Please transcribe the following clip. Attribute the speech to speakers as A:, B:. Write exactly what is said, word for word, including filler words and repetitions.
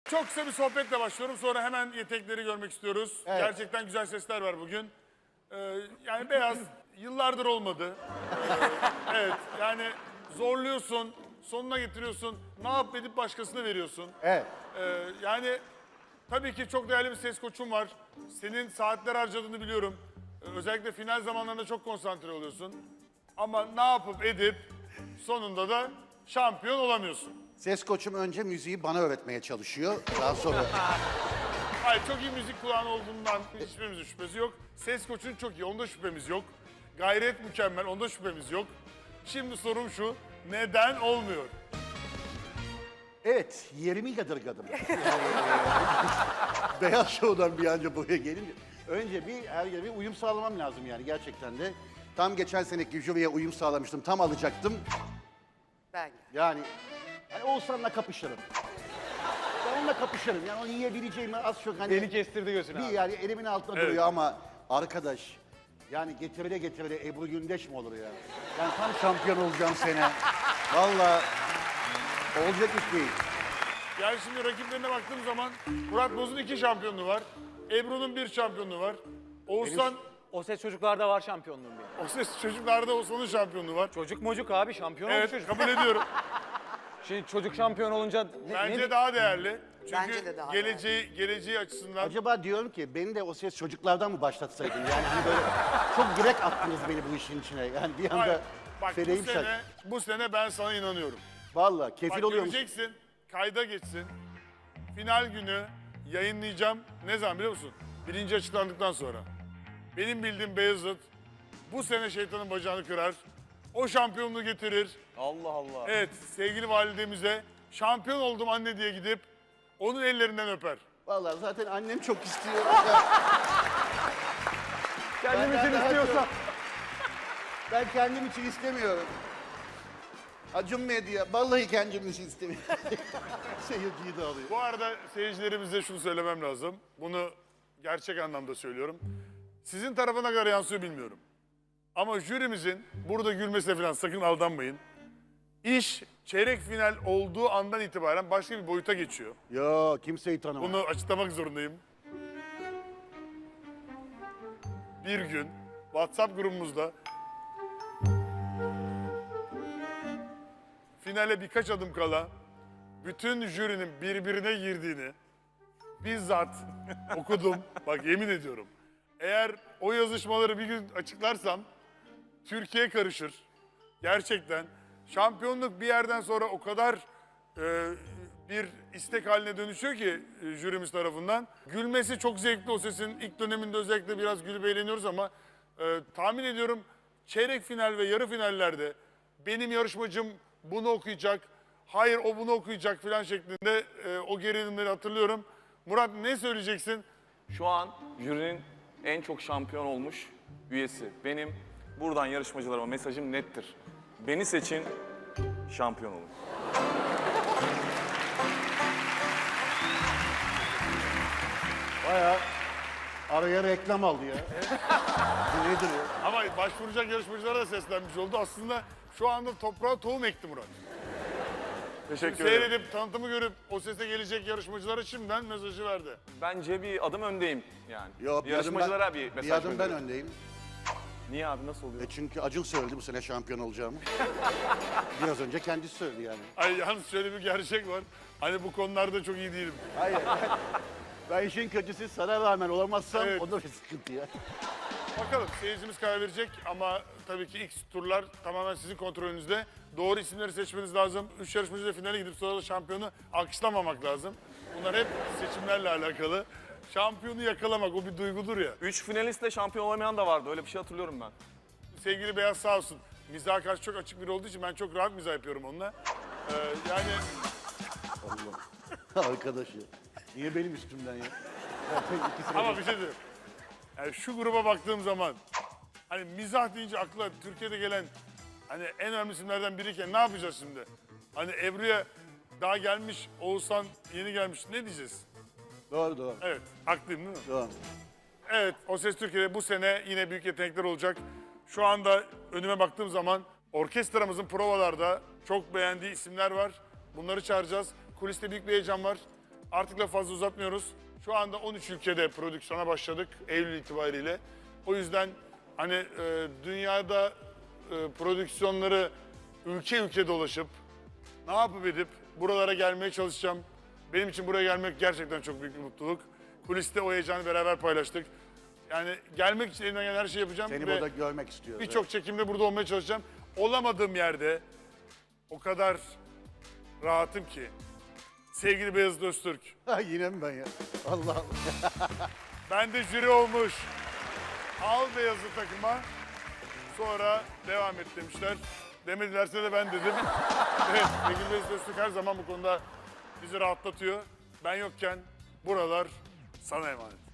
A: Çok kısa bir sohbetle başlıyorum. Sonra hemen yetenekleri görmek istiyoruz.
B: Evet.
A: Gerçekten güzel sesler var bugün. Ee, yani Beyaz yıllardır olmadı. Ee, evet yani zorluyorsun, sonuna getiriyorsun. Ne yap edip başkasına veriyorsun.
B: Evet.
A: Ee, yani tabii ki çok değerli bir ses koçun var. Senin saatler harcadığını biliyorum. Ee, özellikle final zamanlarında çok konsantre oluyorsun. Ama ne yapıp edip sonunda da şampiyon olamıyorsun.
B: Ses koçum önce müziği bana öğretmeye çalışıyor. Daha sonra...
A: Hayır, çok iyi müzik kulağın olduğundan hiçbirimizin şüphesi yok. Ses koçun çok iyi, onda şüphemiz yok. Gayret mükemmel, onda şüphemiz yok. Şimdi sorum şu, neden olmuyor?
B: Evet, yerimi yadırgadım. Yani, e, Beyaz Show'dan bir anca buraya gelince. Önce bir her yere bir uyum sağlamam lazım yani gerçekten de. Tam geçen seneki jüriye uyum sağlamıştım, tam alacaktım.
C: Ben.
B: Yani hani Oğuzhan'la kapışırım. Ben onunla kapışırım. Yani onu yiyebileceğimi az çok hani...
D: Beni kestirdi gözüne
B: Bir
D: abi.
B: yani elimin altında
A: Evet.
B: duruyor ama arkadaş... Yani getirile getirile Ebru Gündeş mi olur ya? Ben tam şampiyon olacağım sene. Vallahi olacak iş değil.
A: Yani şimdi rakiplerine baktığım zaman Murat Boz'un iki şampiyonluğu var. Ebru'nun bir şampiyonluğu var. Oğuzhan,
D: O ses çocuklarda var şampiyonluğum benim.
A: o ses çocuklarda Oğuzhan'ın şampiyonluğu var.
D: Çocuk mocuk abi şampiyon olmuş
A: Evet,
D: çocuk.
A: kabul ediyorum.
D: Şimdi çocuk şampiyon olunca ne,
A: Bence
D: ne-
A: daha değerli. Çünkü
C: Bence de daha
A: geleceği, geleceği açısından...
B: Acaba diyorum ki beni de o ses çocuklardan mı başlatsaydın? Yani hani böyle çok direkt attınız beni bu işin içine. Yani bir
A: Hayır,
B: anda
A: bak bu
B: feleğim şak.
A: sene, bu sene ben sana inanıyorum.
B: Vallahi kefil
A: Bak
B: oluyor musun?
A: göreceksin, kayda geçsin. Final günü yayınlayacağım. Ne zaman biliyor musun? Birinci açıklandıktan sonra. Benim bildiğim Beyazıt bu sene şeytanın bacağını kırar. O şampiyonluğu getirir.
D: Allah Allah.
A: Evet, sevgili validemize şampiyon oldum anne diye gidip onun ellerinden öper.
B: Vallahi zaten annem çok istiyor.
D: Kendim
B: Benden
D: için
B: daha
D: istiyorsan.
B: çok. Ben kendim için istemiyorum. Acun Medya, vallahi kendim için istemiyorum. Seyirciyi de alıyor.
A: Bu arada seyircilerimize şunu söylemem lazım. Bunu gerçek anlamda söylüyorum. Sizin tarafa ne kadar yansıyor bilmiyorum. Ama jürimizin burada gülmesine falan sakın aldanmayın. İş çeyrek final olduğu andan itibaren başka bir boyuta geçiyor.
B: Yo, kimseyi tanımam.
A: Bunu açıklamak zorundayım. Bir gün WhatsApp grubumuzda finale birkaç adım kala bütün jürinin birbirine girdiğini bizzat okudum. Bak yemin ediyorum. Eğer o yazışmaları bir gün açıklarsam Türkiye karışır. Gerçekten şampiyonluk bir yerden sonra o kadar e, bir istek haline dönüşüyor ki e, jürimiz tarafından. Gülmesi çok zevkli o sesin. İlk döneminde özellikle biraz gülüp eğleniyoruz ama e, tahmin ediyorum çeyrek final ve yarı finallerde benim yarışmacım bunu okuyacak, hayır o bunu okuyacak falan şeklinde e, o gerilimleri hatırlıyorum. Murat ne söyleyeceksin?
E: Şu an jürinin en çok şampiyon olmuş üyesi. Benim buradan yarışmacılarıma mesajım nettir. Beni seçin, şampiyon olun.
B: Bayağı araya reklam aldı ya. Bu nedir ya?
A: Ama başvuracak yarışmacılara da seslenmiş oldu. Aslında şu anda toprağa tohum ekti Murat.
E: Teşekkür ederim.
A: Seyredip, tanıtımı görüp o sese gelecek yarışmacılara şimdiden mesajı verdi.
E: Bence bir adım öndeyim yani.
B: Yok, bir adım
E: Yarışmacılara
B: ben,
E: bir mesaj
B: bir adım ben
E: gönderiyorum.
B: öndeyim.
E: Niye abi, nasıl oluyor?
B: E çünkü Acun söyledi bu sene şampiyon olacağımı. Biraz önce kendisi söyledi yani.
A: Ay yalnız şöyle bir gerçek var. Hani bu konularda çok iyi değilim.
B: Hayır. Ben işin kötüsü sana rağmen olamazsam
A: Evet.
B: o da bir sıkıntı ya.
A: Bakalım seyircimiz karar verecek ama tabii ki ilk turlar tamamen sizin kontrolünüzde. Doğru isimleri seçmeniz lazım. Üç yarışmacı da finale gidip sonra da şampiyonu alkışlamamak lazım. Bunlar hep seçimlerle alakalı. Şampiyonu yakalamak o bir duygudur ya.
E: Üç finalistle şampiyon olamayan da vardı. Öyle bir şey hatırlıyorum ben.
A: Sevgili Beyaz sağ olsun. Mizaha karşı çok açık biri olduğu için ben çok rahat mizah yapıyorum onunla. Ee, yani
B: Allah. Arkadaş ya. Niye benim üstümden ya? Zaten iki sene
A: ama bir şey diyorum. Yani şu gruba baktığım zaman hani mizah deyince akla Türkiye'de gelen hani en önemli isimlerden biriyken ne yapacağız şimdi? Hani Ebru'ya daha gelmiş, Oğuzhan yeni gelmiş. Ne diyeceğiz?
B: Doğru doğru.
A: Evet, haklıyım değil mi?
B: Doğru.
A: Evet, O Ses Türkiye'de bu sene yine büyük yetenekler olacak. Şu anda önüme baktığım zaman orkestramızın provalarda çok beğendiği isimler var. Bunları çağıracağız. Kuliste büyük bir heyecan var. Artık da fazla uzatmıyoruz. Şu anda on üç ülkede prodüksiyona başladık Eylül itibariyle. O yüzden hani e, dünyada e, prodüksiyonları ülke ülke dolaşıp ne yapıp edip buralara gelmeye çalışacağım. Benim için buraya gelmek gerçekten çok büyük bir mutluluk. Kuliste o heyecanı beraber paylaştık. Yani gelmek için elimden gelen her şeyi yapacağım.
B: Seni
A: ve
B: burada görmek istiyoruz.
A: birçok çekimde burada olmaya çalışacağım. Olamadığım yerde o kadar rahatım ki. Sevgili Beyazıt Öztürk,
B: Ha, yine mi ben ya? Allah Allah.
A: ben de jüri olmuş. Al Beyazıt takıma, sonra devam et demişler. Demedilerse de ben dedim. Evet, sevgili Beyazıt Öztürk her zaman bu konuda bizi rahatlatıyor. Ben yokken buralar sana emanet.